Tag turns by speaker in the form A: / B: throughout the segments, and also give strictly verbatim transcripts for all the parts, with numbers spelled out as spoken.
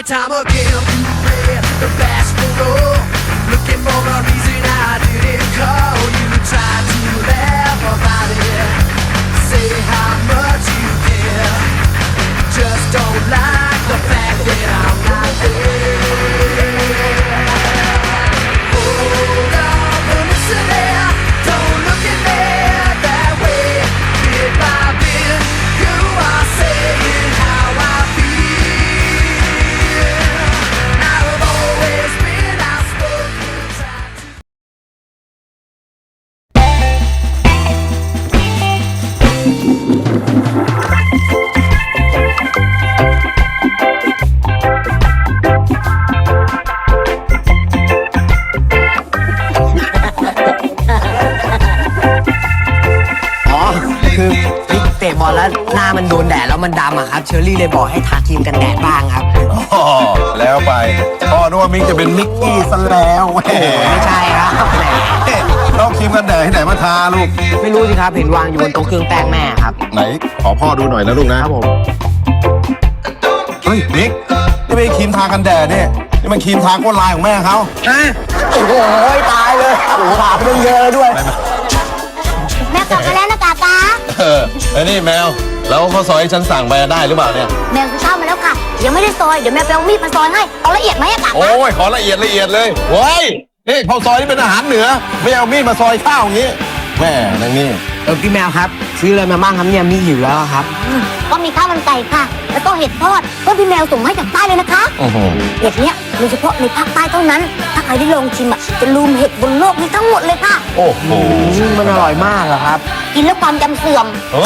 A: time again you play the bashful role, looking for a reason I didn't call. You try to laugh about it, say how much you care, just don't like the fact that I'm not there. Hold on, but listen there, don't look at me that way. Bit by bit, you are saying how I feel. I've always been outspoken, tried to.
B: อ๋อคือพี่เตะบอลแล้วหน้ามันโดนแดดแล้วมันดำอะครับเชอรี่เลยบอกให้ทาครีมกันแดดบ้างครับ
C: อ๋อแล้วไปพ่อนึกว่ามิกจะเป็นมิกกี้ซะแล้วแหม
B: ไม่ใช่ครับแหม
C: ต้องครีมกันแดดที่ไหนมาทาลูก
B: ไม่รู้สิครับเห็นวางอยู่บนโต๊ะเครื่องแป้งแม่ครับ
C: ไหนขอพ่อดูหน่อยนะลูกนะครับ
B: ผม
C: เฮ้ยมิกนี่ไม่ใช่ครีมทากันแดดเนี่ยนี่มันครีมทาก้นลายของแม่เขา
B: ฮะโอ้โหตายเลยโอ้โหถามเรื่องเยอะด้วย
D: แม่กลับมาแล้วนะกากา
C: เออไอ้นี่แมวแล้วข้าวซอยที่ฉันสั่งไปได้หรือเปล่าเนี่ย
D: แมวซื้อข้าวมาแล้วค่ะ ยังไม่ได้ซอย เดี๋ยวแม่ไปเอามีดมาซอยให้ เอาละเอียดไหมอะกากา
C: โอ้ยขอละเอียดละเอียดเลยเว้ยนี่ข้าวซอยนี่เป็นอาหารเหนือไม่เอามีดมาซอยข้าวอย่างนี้แม่นางนี่
B: เออพี่แมวครับซื้ออะไรมาบ้างครับเนี่ยมีหิวแล้วครับ
D: อืมก็มีข้าวมันไก่ค่ะ แล้วก็เห็ดทอดก็พี่แมวส่งมาให้จากใต้เลยนะคะ
C: โอ้โห
D: เห็ดเนี้ยโดยเฉพาะในภาคใต้เท่านั้น ถ้าใครได้ลองชิมอะจะลืมเห็ดบนโลกนี้ทั้งหมดเลยค่ะ
C: โอ้โห
B: อืมมันอร่อยมากเหรอครับ
D: กินแล้วความจำเสื่อม
C: โอ้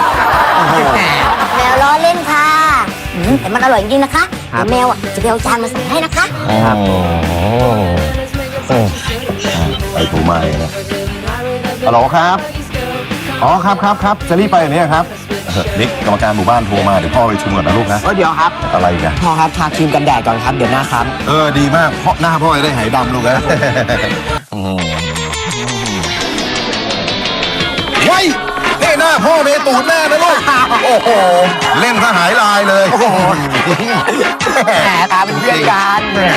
D: แมวล้อเล่นค่ะอืมแต่มันอร่อยจริงๆนะคะ
B: ครับ
D: เดี๋ยวแมวอะจะไปเอาจานมาใส่ให้นะคะ
C: ครับโอ้ไปถูมาเลยนะฮัลโหลครับ อ๋อครับครับครับจะรีบไปอย่างนี้ครับนิกกรรมการหมู่บ้านโทรมาเดี๋ยวพ่อไปชุมก่อนนะลูกนะ
B: เออเดี๋ยวครับ
C: อะไรกัน
B: พ่อครับทาครีมกันแดดก่อนครับเดี๋ยวหน้าครับ
C: เออดีมากเพราะหน้าพ่อจะได้หายดำลูกนะไว้นี่หน้าพ่อเมตูดแน่นะลูกโอ้โหเล่นซะหายลายเลยโอ้โห
B: แหมตาเป็นเพื่อนกัน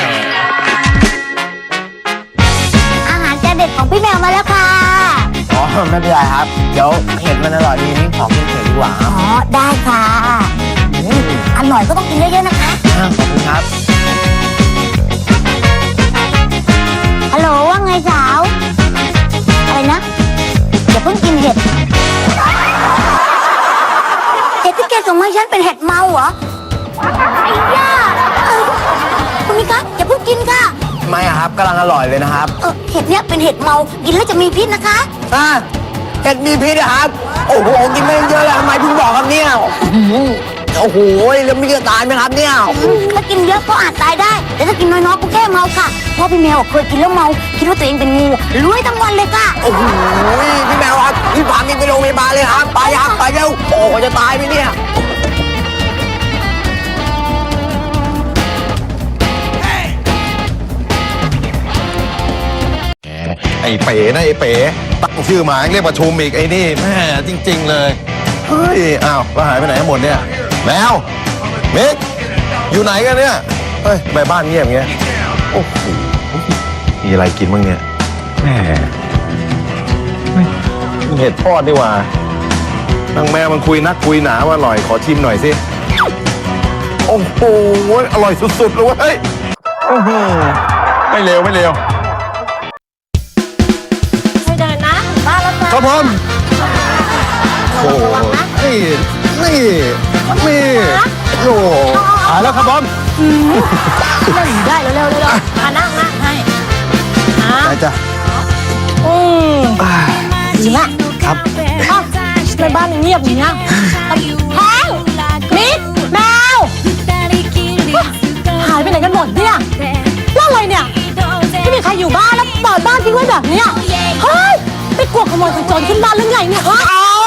D: อาหารจานเด็ดของพี่แมวมาแล้วค่ะ
B: อ๋อไม่เป็นไรครับเดี๋ยวเห็ดมันอร่อยดีนี่ขอกินเห็ดดีกว่าค
D: อ๋
B: รับ
D: อ ได้ค่ะอืมอร่อยก็ต้องกินเยอะๆนะคะ
B: อ่าขอบคุณครับ
D: ฮัลโหลว่าไงสาว อะไรนะอย่าเพิ่งกินเห็ด เห็ดที่แกส่งมาให้ฉันเป็นเห็ดเมาเหรอ ไอ้ย่าเออคุณมิคะอย่าเพิ่งกินค่ะ
B: ไม่อะครับกำลังอร่อยเลยนะครับ
D: เออเห็ดเนี้ยเป็นเห็ดเมา กินแล้วจะมีพิษนะคะ
B: อ่าเห็ดมีพิษนะครับ โอ้โหกินไม่เยอะแล้วทำไมเพิ่งบอกครับเนี่ยอื้อหือโอ้โหแล้วมีจะตายไหมครับเนี่ย
D: ถ้ากินเยอะก็อาจตายได้ แต่ถ้ากินน้อยๆก็แค่เมาค่ะเพราะพี่แมวเคยกินแล้วเมา คิดว่าตัวเองเป็นงูรวยทั้งวันเลยค่ะ
B: โอ้โหพี่แมวครับพี่พามินไปโรงพยาบาลเลยครับไปครับไปเร็วโอ้โหจะตายไหมเนี่ย
C: ไอ้เป๋นะไอ้เป๋ตั้งชื่อหมาเรียกประชุมอีกไอ้นี่แม่จริง ๆ เลยเฮ้ยอ้าวแล้วหายไปไหนหมดเนี่ยแมวมิกอยู่ไหนกันเนี่ยเฮ้ยไปบ้านเงียบอย่างเงี้ยโอ้โหมีอะไรกินบ้างเนี่ยแหมเฮ้ยมันเห็ดทอดดีกว่านางแมวมันคุยนักคุยหนาว่าอร่อยขอชิมหน่อยสิโอ้โหอร่อยสุดๆเลยเว้ยอื้อหือไม่เลวไม่เลว
D: ไม่เดินนะบ้านแล้วค่ะ
C: ครับผมโอ้โหนี่ นี่ นี่โอ้โหหายแล้วครับผม
D: นั่งได้เร็วๆเร็วๆมานั่งนั่งให้อ่ะ
C: ไปจ้ะ
D: อืมจริงอะ
B: ครับ
D: อ้าวทำไมบ้านมันเงียบอย่างเงี้ยแพงมิดแมวหายไปไหนกันหมดเนี่ยแล้วอะไรเนี่ยไม่มีใครอยู่บ้านแล้วเปิดบ้านทิ้งไว้แบบเนี้ยเฮ้ยไปกลัวขโมยขโจรขึ้นบ้านหรือไงเนี่ยฮะ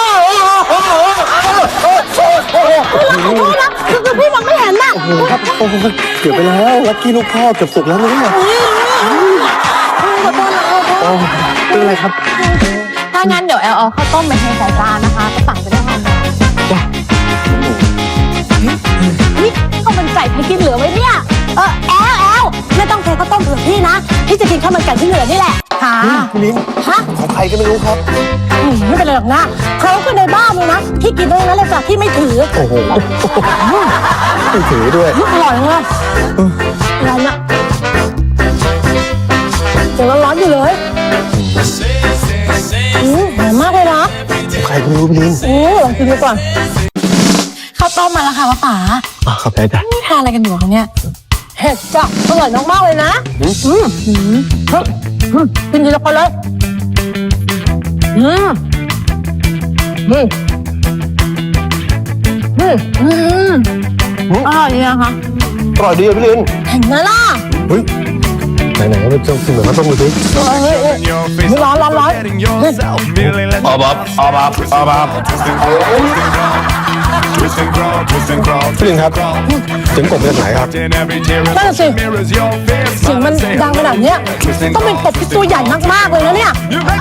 D: ขอโทษนะคือคือพี่มองไม่เห็นน่ะ
C: โอ้โหครับโอ้โหเกือบไปแล้วลักกี้ลูกพ่อเกือบสุกแล้วนะเนี่ย
D: ขอโทษนะขอโทษ
C: โอ้เป็นไรครับ
D: ถ้างั้นเดี๋ยวแอลเอาข้าวต้มไปให้ใส่จานนะคะก็ตักไปได้ทันจ้ะนี่ข้าวมันไก่ใครกินเหลือไว้เนี่ยาวต้มเผื่อพี่นะพี่จะกินข้าวมันไก่ที่เหลือนี่แหละค่ะ
B: พี่ลิ้น
D: ฮะ
B: ของใครก็ไม่รู้ครับ
D: อืมไม่เป็นไรหรอกนะเขาก็ในบ้านเลยนะพี่กินได้นั้นเลยจ้ะพี่ไม่ถือ
B: โอ้โหไม่ถือด้วย
D: อร่อยเลยร้อนอะเดี๋ยวร้อนๆอยู่เลยอืมหอมมากเลยนะ
B: ใครก็ไม่รู้พี่ลิ้น
D: อืมลองกินดูก่อนข้าวต้มมาแล้วค่ะป้าป๋า
B: อ่ะขอบใจจ้ะ
D: ทานอะไรกันอยู่คะเนี่ยเห็ดจ้ะอร่อยมากๆเลยนะอืมอืมอืมอืมกินทีละคนเลยอืมอืมอืมอืมอร่อยดีนะคะ
B: อร่อยดีอ่ะพี่ลิ้น
D: เห็นไหมล่ะ
B: เฮ้ยไหนๆก็ไปจ้องกินเหมือนข้าวต้มดูสิ
D: เฮ้ยเฮ้ยเฮ้ยร้อนร้อนร้อน
C: ออบับออบับออบับ
B: พี่ลิ้นครับเสียงกบมาจากไหนครับ
D: นั่นสิเสียงมันดังขนาดเนี้ยต้องเป็นกบที่ตัวใหญ่มากๆเลยนะเนี่ย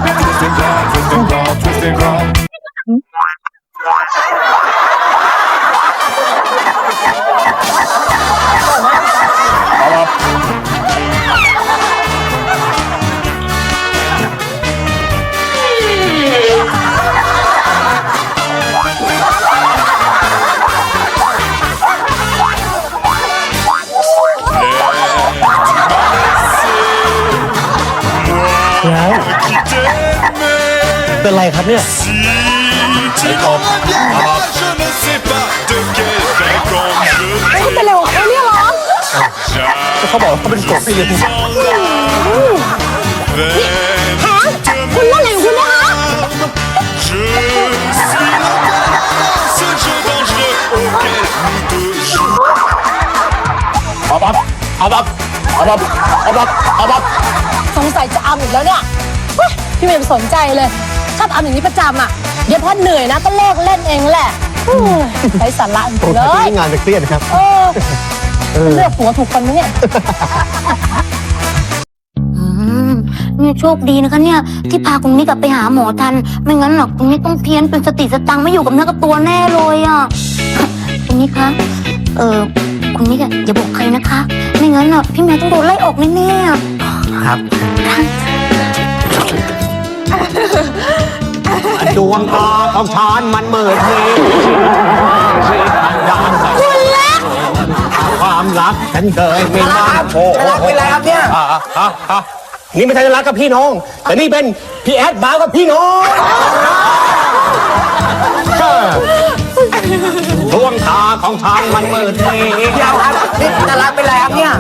B: เป็นไรครับเนี่ย
C: ไอ้กบ
D: เขาเป็นอะไรของเขาเนี่ยเหรอ
B: เขาบอกเขาเป็นกบพี่ลิ้น
D: ฮะคุณว่าอะไรของคุณนะคะ
B: เอาบับเอาบับเอาบับเอาบับเอาบับ
D: สงสัยจะอำอีกแล้วเนี่ยเฮ้ยพี่ไม่สนใจเลยชอบอำอย่างนี้ประจำอ่ะเดี๋ยวพอเหนื่อยนะก็เลิกเล่นเองแหละอู้ยใช้สาระจริงๆเลย
B: งานจะเครียดครับ
D: เออเลือกหัวถูกคนไหมเนี่ย
E: อืมเนี่ยโชคดีนะคะเนี่ยที่พาคุณนิกกลับไปหาหมอทัน ไม่งั้นหรอกคุณนิกต้องเพี้ยนเป็นสติสตังค์ไม่อยู่กับเนื้อกับตัวแน่เลยอ่ะ คุณนิกคะเออคุณนิกอะอย่าบอกใครนะคะ ไม่งั้นอ่ะพี่แม่ต้องโดนไล่ออกแน่ๆอะ
B: ครับดวงตาของฉันมันเมิดมีคุณรักความรักฉันเคยมีมาโอ้รักเป็นไรครับเนี่ยนี่ไม่ใช่รักกับพี่น้อง แต่นี่เป็นพี่แอดบ้ากับพี่น้องดวงตาของฉันมันเมิดมีเดียวครับนี่จะรักเป็นไรครับเนี่ย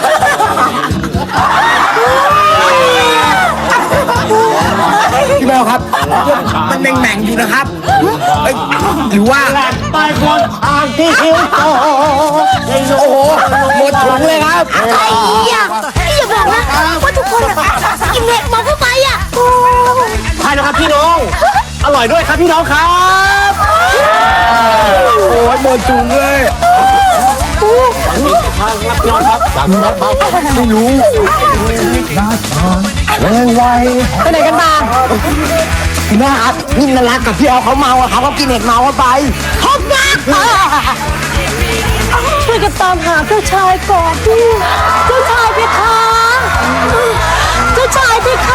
B: พี่แมวครับมันแหม่งๆอยู่นะครับเอ้ยหรือว่าไปคนทางที่หิวโตโอ้โหหมดถุงเลยครับ
E: ไอ้ยะพี่อย่าบอกนะว่าทุกคนอะกินเน็ตมาเข้าไปอ่ะโอ้
B: ใช่นะครับพี่น้อง อร่อยด้วยครับพี่น้องครับโอ้ยหมดถุงเลยทางรับนอนครับทางรับเบาไม่รู้แรงไว
D: ไปไหนกันมา
B: พี่แม่ครับพี่นรักกับพี่แอลเขาเมาอะครับเขากินเห็ดเมาเข้าไป
D: พบกันช่วยกันตามหาเจ้าชายก่อนเจ้าชายเพคะเจ้าชายเพคะ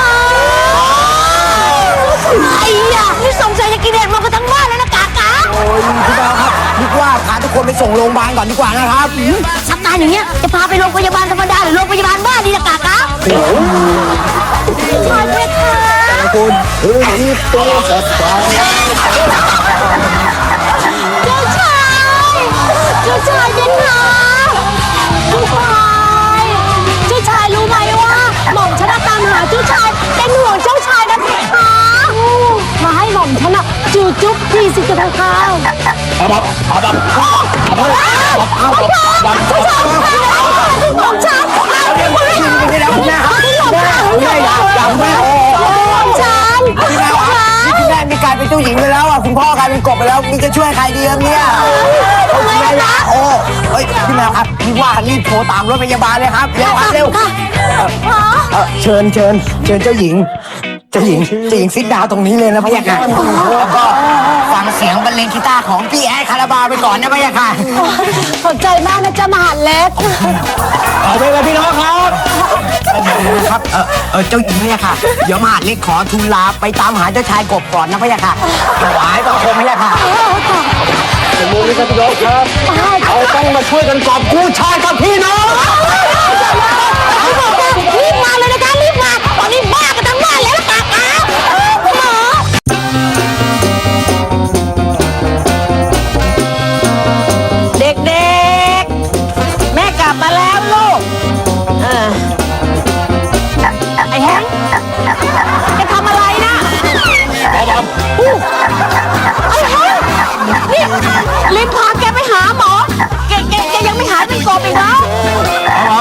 E: ไอ้ยะนี่สงสัยจะกินเน็ตมากันทั้งบ้านแล้วนะกากา
B: โอ้ยพี่แมวครับนึกว่าพาทุกคนไปส่งโรงพยาบาลก่อนดีกว่านะครับ
E: อาการอย่างเงี้ยจะพาไปโรงพยาบาลธรรมดาหรือโรงพยาบาลบ้านดีละกากาชายเพคะ
B: คุณเฮ้ยนี่ตัวสัตว์
E: เจ้าชายเจ้าชายเพคะเจ้าชาย
D: เจ้าชายรู้ไหมว่าหม่อมฉันตามหาเจ้าชายเป็นห่วงเจ้าชายนะเพคะมาให้หม่อมฉันอะจูจุ๊บทีสิจะเพคะ
B: เอาบับเอาบับเอาบับเอาบับเอาบับ
D: หม่อมฉัน
B: ไม่ได้คุณแม่ครับแม่แม่อย่าอย่าแม่โอ้
D: หม่อมฉัน
B: พี่แม่ครับนี่คุณแม่มีกลายเป็นเจ้าหญิงไปแล้วอ่ะคุณพ่อกลายเป็นกบไปแล้วนี่จะช่วยใครดีครับเนี่ยทำไมล่ะโอ้เฮ้ยพี่แมวครับพี่ว่ารีบโทรตามรถพยาบาลเลยครับเร็วครับเร็วเออเชิญเชิญเชิญเจ้าหญิงเจ้าหญิงเจ้าหญิงซิดดาวตรงนี้เลยนะพะยะค่ะแล้วก็ฟังเสียงบรรเลงกีตาร์ของพี่แอดคาราบาวไปก่อนนะพะยะค่ะ
D: ขอบใจมากนะจ๊ะมหาดเล็ก
B: เอาไปเลยพี่น้องครับครับเออเออเจ้าหญิงพะยะค่ะเดี๋ยวมหาดเล็กขอทูลลาไปตามหาเจ้าชายกบก่อนนะพะยะค่ะถวายบังคมพะยะค่ะสมุนนี่ครับพี่น้องครับเราต้องมาช่วยกันกอบกู้ชายกับพี่น้อง
D: รีบมาเลยนะคะรีบมาตอนนี้บ้ากันทั้งบ้านแล้วล่ะค่ะคุณหมอเด็กๆแม่กลับมาแล้วลูกเออไอ้แฮงจะทำอะไรนะไอ้แฮงนี่รีบพาแกไปหาหมอแกแกแกยังไม่หายเป็นกบอีกเหรอครับ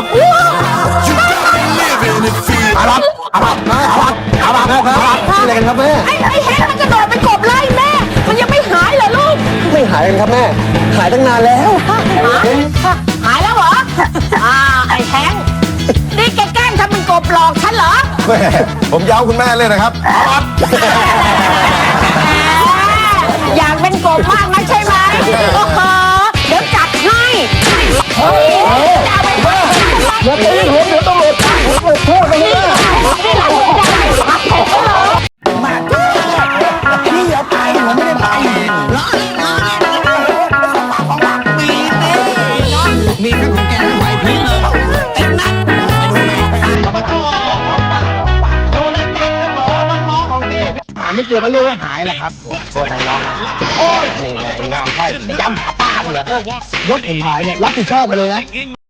C: อารับอารับอารับอารับอารับอะไรกันครับแม่
D: ไอ้ไอ้แฮงมันกระโดดไปกบไล่แม่ มันยังไม่หายเหรอลูก
C: ไม่หายกันครับแม่ หายตั้งนานแล้ว
D: หายแล้วเหรอ อ่า ไอ้แฮงนี่แกแกล้งทำเป็นกบหลอกฉันเหรอ
C: แม่ผมย้าคุณแม่เลยนะครับอารับ
D: อยากเป็นกบมากนะใช่ไหมโอ้โหเดี๋ยวจัดให้เฮ้ยจะเอาไปเพิ่มเดี๋ยวตีผมเดี๋ยวต้องหลุดโทษไปเลยนี่หลังจะได้รับผมเหรอ
B: พี่อย่าไปผมไม่ได้ไปล้อเล่นล้อเล่นมีนี่มีแค่ของแกไหวพี่เลยเต็มนัดหาไม่เจอมันเรียกว่าหายแหละครับโทษทางน้องโอ้ยนี่ไงงามไพ่จำป้าเหรอยศเห็นหายเนี่ยรับผิดชอบไปเลยนะ